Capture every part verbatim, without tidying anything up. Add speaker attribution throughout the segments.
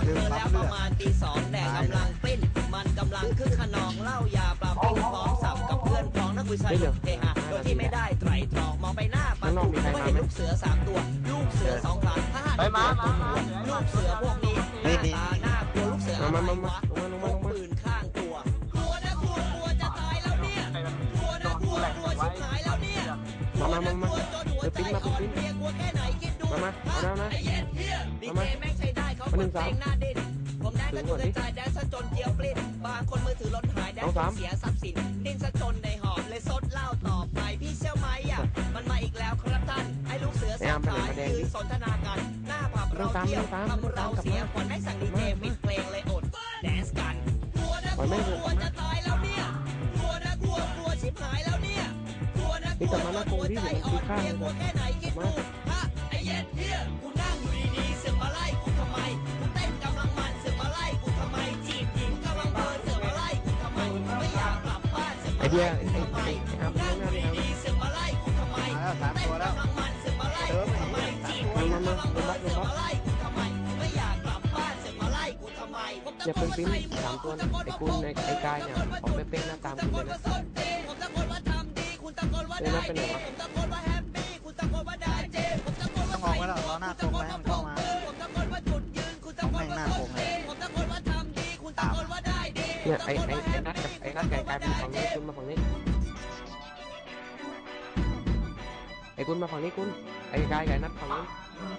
Speaker 1: เจอแล้วประมาณตีสองแดดกำลังปริ้นมันกำลังคึกขนองเล่ายาปลาปิ้งพร้อมสับกับเพื่อนพ้องนักวิชายุเฮฮาโดยที่ไม่ได้ไตรตรองมองไปหน้าปลาตุ่มก็เห็นลูกเสือสามตัวลูกเสือสองขาถ้าหันไปมาลูกเสือพวกนี้หน้าตาหน้ากลัวลูกเสืออะไรวะพกปืนข้างตัวกลัวนะกลัวกลัวจะตายแล้วเนี่ยกลัวนะกลัวกลัวชิบหายแล้วเนี่ยกลัวนะกลัวจนหัวใจอ่อนเพลียกลัวแค่ไหนคิดดูไอ้เย็นเฮียดีเจแม่งใช้ได้เขาเปิดเพลงหน้าดิ้นผมแดนกระจุกกระจายแดนซะจนเจียวปลิ้นบางคนมือถือล้นหายแดนเสียทรัพย์สินดิ้นซะจนในหอบเลยซดเหล้าต่อไปพี่เชี่ยวไหมอ่ะมันมาอีกแล้วครับท่านไอ้ลูกเสือสองขายืนสนทนากันหน้าผับเราเที่ยวทำเราเสียขวัญให้สั่งดีเจปิดเพลงเลยอดแดนส์กันกลัวนะกลัวกลัวจะตายแล้วเนี่ยกลัวนะกลัวกลัวชิบหายแล้วเนี่ยกลัวนะกลัวจนหัวใจอ่อนเพลียกลัวแค่ไหนคิดดูฮะไอ้เย็ดเฮียกูนั่งอยู่ดีๆเสือกมาไล่กูทำไมกูเต้นกำลังมันเสือกมาไล่กูทำไมจีบหญิงกำลังเพลินเสือกมาไล่กูทำไมไม่อยากกลับบ้านเสือกมาไล่กูทำไมนั่งอยู่ดีๆเสือกมาไล่กูทำไมเต้นกำลังมันเสือกมาไล่กูทำไมจีบหญิงกำลังเพลินเสือกมาไล่กูทำไมไม่อยากกลับบ้านเสือกมาไล่กูทำไม
Speaker 2: อย่าเป็นปิ้นสามตัวไอ้คุณไอ้กายเนี่ยออกไปเป็นหน้าตามคุณเลยนะ
Speaker 1: ผมตะโกนว่าทำดีคุณตะโกนว่าได้ดีผมตะโกนว่าแฮปปี้คุณตะโกนว่าได้เจผมตะโกนว่าต้องออกไว้แล้วล้อหน้าตรงไว้ให้มันเข้ามาผมตะโกนว่าจุดยืนคุณตะโกนว่าส้นตีนผมตะโกนว่าทำดีคุณตะโกนว่าได้ดี
Speaker 2: เนี่ยไอ้ไอ้ไอ้นัดกับไอ้นัดไก่กลายเป็นฝั่งนี้คุณมาฝั่งนี้ไอ้คุณมาฝั่งนี้คุณไอ้กายไก่นัดฝั่งนี้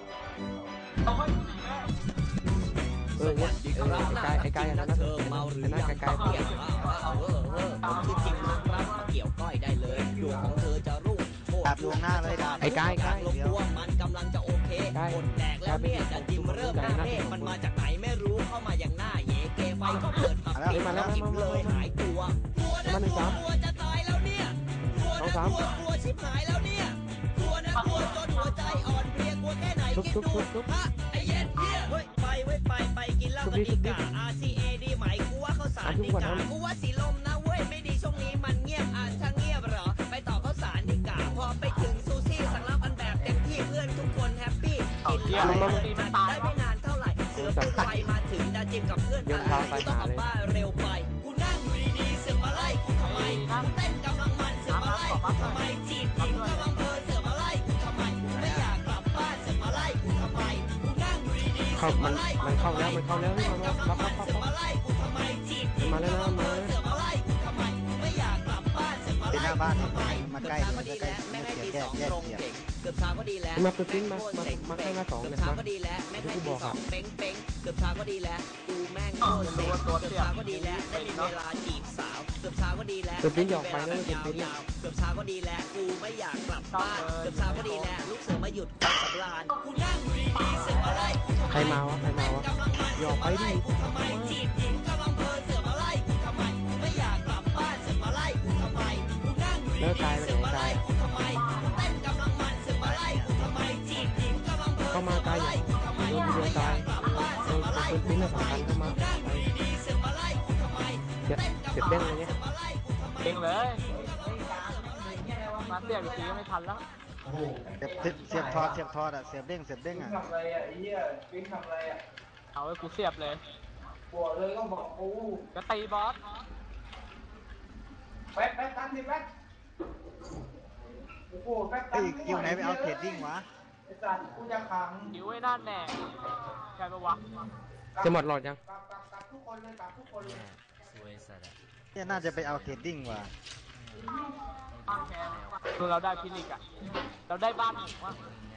Speaker 2: เออเนี่ยเออไอ้กายไอ้กายนัดนัดไอ้นัดไก่กายฝั่งนี้
Speaker 1: ผมคือจริงมากครับมาเกี่ยวก้อยได้เลยดวงของเธอจะรุ่ง
Speaker 3: ดาบดวงหน้าเลยดาบ
Speaker 2: ไอ้กายกาย
Speaker 1: ลงตัวมันกำลังจะโอเคหมดแดกแล้วเนี่ยจะจิมเริ่มหน้าเทพมันมาจากไหนไม่รู้เข้ามาอย่างหน้าเยเกไฟก็เปิดผับปิดแล้วกิบเลยหายตัวกลัวนะกลัวกลัวจะตายแล้วเนี่ยกลัวนะกลัวกลัวชิบหายแล้วเนี่ยกลัวนะกลัวจนหัวใจอ่อนเพลียกลัวแค่ไหนคิดดูฮะไอ้เย็นเฮียเฮ้ยไปเว้ยไปไปกินเหล้ากันดีกว่า อาร์ ซี เอ ดีไหมกูว่าข้าวสารดีกว่ากูว่าสีลมนะเว้ยไม่ดีช่วงนี้มันเงียบอ่ะถ้าเงียบเหรอไปต่อข้าวสารดีกว่าพอไปถึงซูซี่สั่งรับอันแบบเต็มที่เพื่อนทุกคนแฮปปี้กินเหล้าได้ไม่นานเท่าไหร่เสือปืนไฟมาถึงดาจิมกับเพื่อนอะไรกูต้องกลับบ้านเร็วไปกูนั่งอยู่ดีๆเสือกมาไล่กูทำไมกูเต้นกำลังมันเสือกมาไล่กูทำไมจีบหญิงกำลังเพลินเสือกมาไล่กูทำไมไม่อยากกลับบ้านเสือกมาไล่กูทำไมกูนั่งอยู่ดีๆเสือกมาไล่กูทำไมเต้นกำลังมันเสือกมาไล่กูทำไมจีบหญิงกำลังเพลินเสือกมาไล่กูทำไมไม่อยากกลับบ้านเสือกมาไล่กูทำไมมาใกล้ก็ดีแล้วแม่ให้ตีสองตรงเก่งเกือบเช้าก็ดีแล้ว
Speaker 2: มาเป็นปิ้นมามาให้มาสองเนี่ยเช้า
Speaker 1: ก็ดีแล้วแม่ให้ตีสองเป้งเป้งเกือบเช้าก็ดีแล้วกูแม่งโคตรเซ็งเกือบเช้าก็ดีแล้วได้มีเวลาจีบสาวเกือบเช้าก็ดีแล้ว
Speaker 2: เป็นปิ้นหยอกไปแล้วเป็นปิ้น
Speaker 1: ยาวเกือบเช้าก็ดีแล้วกูไม่อยากกลับบ้านเกือบเช้าก็ดีแล้วลูกเสือมาหยุดความสำราญกูนั่งอยู่ดีๆเสือมาไล่กูทำไม
Speaker 2: ใครมาวะใครมาวะ
Speaker 1: หยอกไปดิกูทำไมจีบหญิงกำลังเพลินเสือมาไล่กูทำไมไม่อยากกลับบ้านเสือมาไล่กูทำไมกูนั่งอยู่ดีๆเสือมาไล่กูทำไมเต้นกำลังมันเสือมาไล่กูทำไมจีบหญิงกำลังเพลินเสือมาไล่กูทำไมไม่อยากกลับบ้านเสือมาไล่กูทำไมกูนั่งอยู่ดีๆเสือมาไล่กูทำไมเต้นกำลังมันเสือมาไล่กูทำไม
Speaker 4: เก่งเลยมาเสียบอีกทีก็ไม่ทันแล้ว
Speaker 3: เสียบเสียบทอดเสียบทอดอ่ะเสียบเด้งเสียบเด้งอ่ะ
Speaker 5: ทำอะไรอ่ะไอ้เหี้ยปิ๊งทำอะไรอ่ะ
Speaker 4: เอาไว้กูเสียบเลย
Speaker 5: บอกเลยต้องบอกกู
Speaker 4: จะตีบอส
Speaker 5: แป๊บแป๊บตั้งดิแป๊บโอ้โหแป๊บตั้ง
Speaker 3: คิวไหนไปเอาเทรดดิ้งวะ
Speaker 5: ไอ้สัตว์กูจะขัง
Speaker 4: คิวไว้นั่นแน่ใช่ปะวะ
Speaker 2: จะหมดหลอดยัง
Speaker 5: ตับตับตับทุกคนเลยตับทุกคนเลย
Speaker 1: สวยสัตว์
Speaker 3: เนี่ยน่าจะไปเอาเทรดดิ้งว่ะ
Speaker 4: คือเราได้พิลิกอะเราได้บ้านหมูว่ะ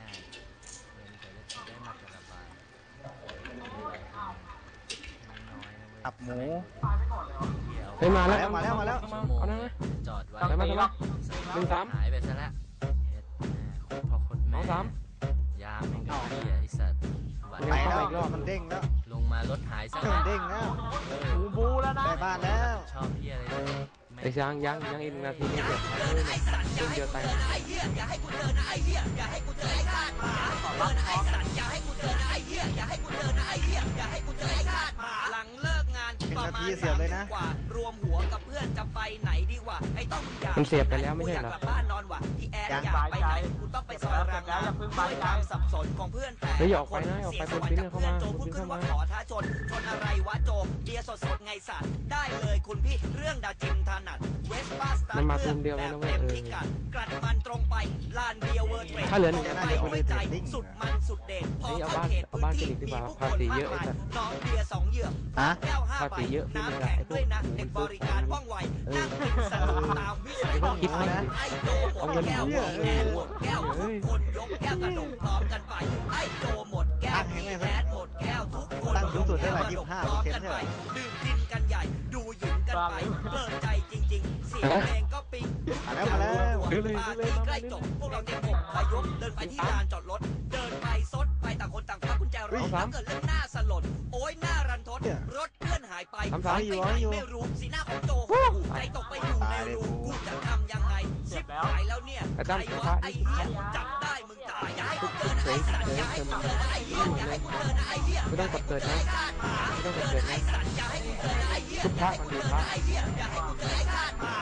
Speaker 3: ตับหมู
Speaker 2: เฮ้ยมาแล้ว
Speaker 3: มาแล้วมาแล้ว
Speaker 2: เอาหน้า
Speaker 1: จอดไว้
Speaker 2: มาแล้วหนึ่งสาม
Speaker 1: หายไปซะแล้วพอคนแม่
Speaker 2: สาม
Speaker 1: ยาไม่ก็เหี้ยไอ้สัตว์
Speaker 3: ไปแล้วอีกรอบมันเด้งแล้ว
Speaker 1: ลงมารถหายซะ
Speaker 3: เด้งแล้ว
Speaker 4: บูบูแล้วนะ
Speaker 3: ไปบ้านแล้ว
Speaker 1: ชอบเหี้ยอะไร
Speaker 2: ไอ้ช้างยังยังอีกนาทีนี้เดียว
Speaker 1: ไอ้สัตว์อย่าให้กูเจอนะไอ้เหี้ยอย่าให้กูเจอนะไอ้เหี้ยอย่าให้กูเจอไอ้คาดหมาเจอนะไอ้สัตว์อย่าให้กูเจอนะไอ้เหี้ยอย่าให้กูเจอนะไอ้เหี้ยอย่าให้กูเจอไอ้คาดหมาหลังเลิกงานประมาณสามทุ่มกว่ารวมหัวกับกับเพื่อนจะไปไหนดีวะไอ้ต้องอยาก
Speaker 2: มันเสียบไปแล้วไม่ใช่เหรอ
Speaker 1: กูยากกลับบ้านนอนว่ะที่แอร์อยากไปไหนกูต้องไปซอยรางน้ำด้วยความสับสนของเพื่อนแต่
Speaker 2: เฮ้ยอย่าออกไปนะอย่าออกไป
Speaker 1: เสีย
Speaker 2: เป็น
Speaker 1: ส
Speaker 2: ปิ้
Speaker 1: วั
Speaker 2: น
Speaker 1: ส
Speaker 2: เข้า
Speaker 1: ดิ์
Speaker 2: มา
Speaker 1: กับเพื่อนโจพูดขึ้นว่า
Speaker 2: ปิ้น
Speaker 1: ข
Speaker 2: เข้า
Speaker 1: อ
Speaker 2: มา
Speaker 1: ท้าชนชนอะไรวะโจเบียร์สดๆไงสัตว์ได้เลยคุณพี่เรื่องดาจิมถนัดเวสป้าสไตล์
Speaker 2: มันมาตูมเดียวกันนะเว้ย
Speaker 1: แบบ
Speaker 2: เอ
Speaker 1: เต็ม
Speaker 2: อ
Speaker 1: พิกัดกลัดมันตรงไปลานเบียร์เวิร์ดเทรด
Speaker 2: ถ้าเหลือหนึ่ง
Speaker 1: ตรง
Speaker 2: นะ
Speaker 1: ไป
Speaker 2: เดี๋ยว
Speaker 1: ด้วยใจสุดมันสุดเด็ดพอ
Speaker 2: เฮ้ยเอา
Speaker 1: เข้า
Speaker 2: บ้าน
Speaker 1: เขต
Speaker 2: เอา
Speaker 1: พื้น
Speaker 2: บ้าน
Speaker 1: ที่
Speaker 2: ฟินิกซ์ดีก
Speaker 1: มี
Speaker 2: ว่า
Speaker 1: ผู้
Speaker 2: ภา
Speaker 1: คน
Speaker 2: ษี
Speaker 1: มา
Speaker 2: เย
Speaker 1: ก
Speaker 2: อะไอ้
Speaker 1: มาย
Speaker 2: สัส
Speaker 1: น้องเบียร์สองเหยือก
Speaker 3: ฮะ
Speaker 1: แก้วห้า
Speaker 2: ภา
Speaker 1: ใบ
Speaker 2: ษีเยอะ
Speaker 1: น้ำ
Speaker 2: ขึ้น
Speaker 1: แข็ง
Speaker 2: เลย
Speaker 1: ด้วยนะ
Speaker 2: ไอ้พวก
Speaker 1: เด็กบริการว่องไวนั่งกินสนุกตามวิสัย
Speaker 2: ไม่ต้องคิด
Speaker 1: ของ
Speaker 2: นะ
Speaker 1: ไอ้โจหมดแก้วหมดแก้วหมดแก้วทุกคนยกแก้วกระดกพร้อมกันไปไอ้โจหมดแก้วพี่แคทหมดแก้วทุกคน
Speaker 3: ตั้งสูงสุดได้
Speaker 1: ย
Speaker 3: ไหร่
Speaker 1: ก
Speaker 3: ยี่
Speaker 1: แก้
Speaker 3: สิ
Speaker 1: ว
Speaker 3: บ
Speaker 1: ก
Speaker 3: ห้า
Speaker 1: ระด
Speaker 3: เปอก ร์
Speaker 1: พ
Speaker 3: เซ็นต์ใช่ไหม
Speaker 1: ร้อมกันไปดื่มกินกันใหญ่ดูหญิงกันไปเพลินใจจริงๆเสียงเพลงก็ปิ๊ง
Speaker 3: มาแล้วมาแล้ว
Speaker 1: ปาร์ตี้ใกล้จบพวกเราเตรียมหกพยพเดินไปที่ลานจอดรถเดินไปซดไปต่างคนต่างคว้ากุญแจรถแล้วเกิดเรื่องหน้าสลดโอ้ยหน้ารันทดรถเพื่อนหายไปหายไปไหนไม่รู้สีหน้าของโจใจตกไปอยู่ในรูกูจะทำยังไงชิบหายแล้วเนี่ยใครวะไอ้เหี้ยจับได้มึงตายอย่าให้กูเจอนะไอ้สัตว์อย่าให้กูเจอนะไอ้เหี้ยอย่าให้กูเจอนะไอ้เหี้ย
Speaker 2: ไม่ต้องกดเกิดนะไม่ต้องกดเกิดนะ
Speaker 1: ไอ้สัตว์อย่าให้กูเจอนะไอ้เหี้ย
Speaker 2: ทุกภาคมันดูภาค
Speaker 1: ไอ้เหี้ยอย่าให้กูเจอไอ้ข้าหมา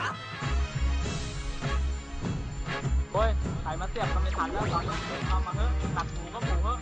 Speaker 4: โอ้ยใครมาเสียบมันไม่ทันแล้วตอนนี้เอามาเฮ้ยตัดหมูก็หมูเฮ้ย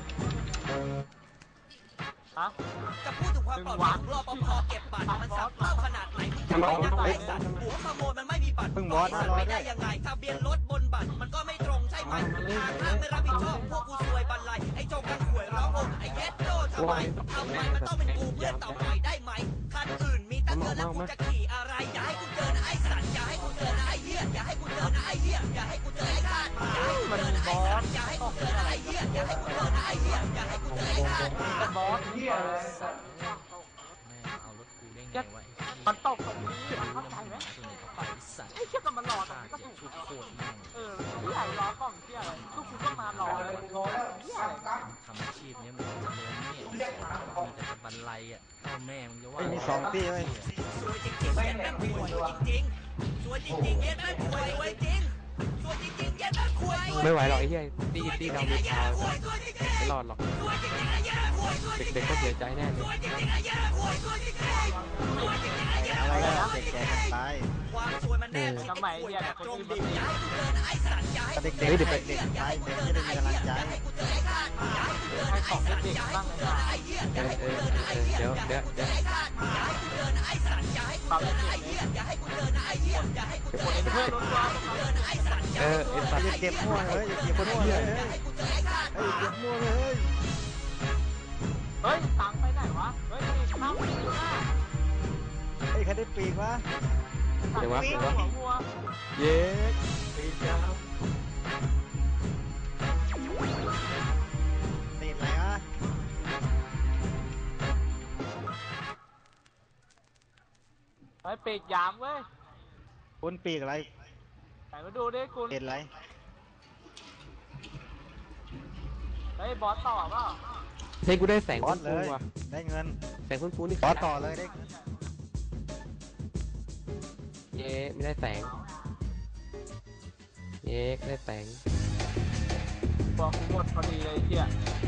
Speaker 4: ฮะ
Speaker 1: จะพูดถึงความปลอดภัยของรปภเก็บบัตรมันสับเล่าขนาดไหนมึงจะไม่ได้ไอ้สัตว์หัวขโมยมันไม่มีบัตร
Speaker 3: เพิ่งบอสนะรอ
Speaker 1: ไม่
Speaker 3: ได้
Speaker 1: ได้ยังไงทะเบียนรถบนบัตรมันก็ไม่ตรงใช่ไหมทางห้างไม่รับผิดชอบพวกกูซวยบันไลไอ้โจงกันหวยร้องโอไอ้เย็ดโดทำไมทำไมมันต้องเป็นกูเพื่อนต่อไปได้ไหมคันอื่นมีตั้งเยอะแล้วกูจะขี่อะไรอย่าให้กูเจอนะไอ้สัตว์อย่าให้กูเจอนะไอ้เหี้ยอย่าให้กูเจอนะไอ้เหี้ยอย่าให้กูเจอไอ้ข้าหมาอย่าให้กูเจอนะไอ้สัตว์อย่าให้กูเจอนะไอ้เหี้ยอย่าให้กูเจอนะไอ้เหี้ยอย่าให้กูเจอไอ้ข้าหมา
Speaker 4: เป็นบอส
Speaker 5: เฮียอะไรสัตว์
Speaker 6: เอารถกูได้ไงวะ
Speaker 4: มันตกตรงนี้มันเข้าใจไหม
Speaker 6: ไอสัตว์
Speaker 4: ไอ้เชี่ยก็มันรอตรงนี้ก็ถูก
Speaker 6: ชุด
Speaker 4: แล้ว
Speaker 6: โคตรแม่ง
Speaker 4: เออที่ไหนรอกล้องเชี่ยอะไรทุกคุณก็มารอเลย
Speaker 5: โทรแล้ว
Speaker 4: เชี่ยอะไร
Speaker 5: ตั้ง
Speaker 6: ทำอาชีพเนี้ยมันจะเลี้ยงเนี่ยมีแต่จะบันไลอ่ะพ่อแม่มึงจะว่า
Speaker 3: เฮ้ยมีสองตีเว้ย
Speaker 1: สวยจริงๆเย็นแม่งป่วยสวยจริงๆสวยจริงๆเย็นแม่งป่วยสวยจริงสวยจริงๆเย็นแม่งป่วย
Speaker 2: ไม่ไหวหรอกไอ้เหี้ยตีตีเราไม่พา
Speaker 1: สวยสวยจริง
Speaker 2: ไม่รอดหรอก
Speaker 1: ๆสวยจริงๆไอ้เย็นป่วยสวยจริงๆ
Speaker 2: เด็กๆก็เสียใจแน่เล
Speaker 1: ส
Speaker 2: ย
Speaker 1: วยจริงๆไอ้เย็นป่วยสวยจริงๆสวยจริงๆไอ้เย็น
Speaker 3: อะไร
Speaker 1: ป่วย
Speaker 3: กัน
Speaker 1: สวยจ
Speaker 3: แจ
Speaker 1: ริ
Speaker 3: ก
Speaker 1: ง
Speaker 3: กันไป
Speaker 1: ๆความสวยมันแนบชิดไอ้ป่วยแบบตรงดิ่งอย่าให้กูเจอนะไอ้สัตว์อย่าให้
Speaker 3: แต่
Speaker 1: กู
Speaker 3: เด็ก
Speaker 1: เจอ
Speaker 3: ๆเด็ก
Speaker 1: นะ
Speaker 3: ๆเด็ก
Speaker 1: อย่า
Speaker 3: ๆ
Speaker 1: ให้กู
Speaker 3: เด็ก
Speaker 1: เจอ
Speaker 3: ไม่ได้
Speaker 1: นะ
Speaker 3: มี
Speaker 1: ไอ้
Speaker 3: กำลัง
Speaker 1: เหี้ย
Speaker 3: ใจ
Speaker 1: อย่าให้กูเจอไอ้ข้าหมาอย่าให้กูเจอนะไอ้สัตว์อย่าให้กูเจอนะไอ้เหี้ยอย่าให้กูเจอนะไอ้เหี้ยอย่าให้กูเจอไอ้ข้าหมาอย่าให้กูเจอนะไอ้สัตว์อย่าให้กูเจอนะไอ้เหี้ยอย่าให้กูเจอนะไอ้เหี้ยอย่าให้กูเจอไอ้ข้าหมาอย่าให้กูเจอนะไอ้สัตว์อย่า
Speaker 2: เอ
Speaker 1: ให้
Speaker 2: อ
Speaker 1: กู
Speaker 2: ไอ้
Speaker 1: เจอ
Speaker 2: สัต
Speaker 1: นะ
Speaker 2: ว์
Speaker 1: ไอ้
Speaker 3: อย่า
Speaker 1: เหี้ย
Speaker 3: เก็บมั่วเลยอย่าเก็บคนมั่วเลย
Speaker 1: อย่าให้กูเจอไอ้ข้าห
Speaker 3: เฮ้ย
Speaker 1: มา
Speaker 3: เก็บมั่วเลย
Speaker 4: เฮ้ยตังไปไหนวะเฮ้ยนี่ข้ามไปหน้า
Speaker 3: เฮ้ยใครได้ปีกวะ
Speaker 2: เดี๋ยววะ
Speaker 4: ปี
Speaker 2: เดี๋ยววะ
Speaker 4: หัวงัว
Speaker 2: เย้ปีกยาว
Speaker 3: ตีนอะไรวะ
Speaker 4: เฮ้ยปีกยามเว้ย
Speaker 3: คุณปีกอะไร
Speaker 4: ไหนมาดูดิคุณ
Speaker 3: เป็นอะไร
Speaker 4: เฮ้ยบอสต่อเปล่า
Speaker 2: เฮ้ยกูได้แสง
Speaker 3: บอ
Speaker 2: ฟุ้
Speaker 3: สเล
Speaker 2: ง
Speaker 3: ย
Speaker 2: ๆว่ะ
Speaker 3: ได้เงิน
Speaker 2: แสงฟุ้งๆนี่
Speaker 3: บอสต่อเลยได้เงิน
Speaker 2: เย้ไม่ได้แสงเย้ได้แสง
Speaker 4: บอกกูหมดพอดีเลยไอ้เชี่ย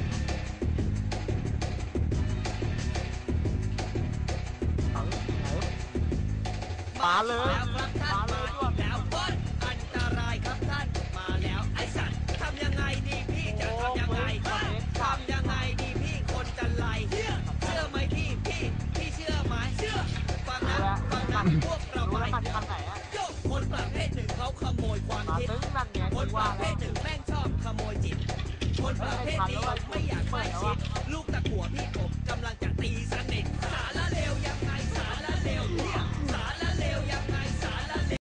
Speaker 4: เอาไหนมาเลย
Speaker 1: แล้วครับท่าน
Speaker 4: มาเล
Speaker 1: มาย อีกแล้วบอสอันตรายครับท่านมาแล้วไอ้สัตว์ทำยังไงดีพี่จะทำยังไงทำยังไงดีพี่คนจะไล่เชื่อเชื่อไหมพี่พี่พี่เชื่อไหมเชื่อฟังนะฟังนะพวกเรา
Speaker 4: รู้
Speaker 1: ไป
Speaker 4: แล้วมันทางไหนอะ
Speaker 1: โยกคนประเภทหนึ่งเขาขโมยความ
Speaker 4: มา
Speaker 1: คิด
Speaker 4: ตึ้งนั่นไง
Speaker 1: คน
Speaker 4: กู
Speaker 1: ป
Speaker 4: ว่า
Speaker 1: ระเภ
Speaker 4: แล้ว
Speaker 1: ทหนึ่งแม่งชอบขโมยจิต คนประเภทนี้ไม่อยากให้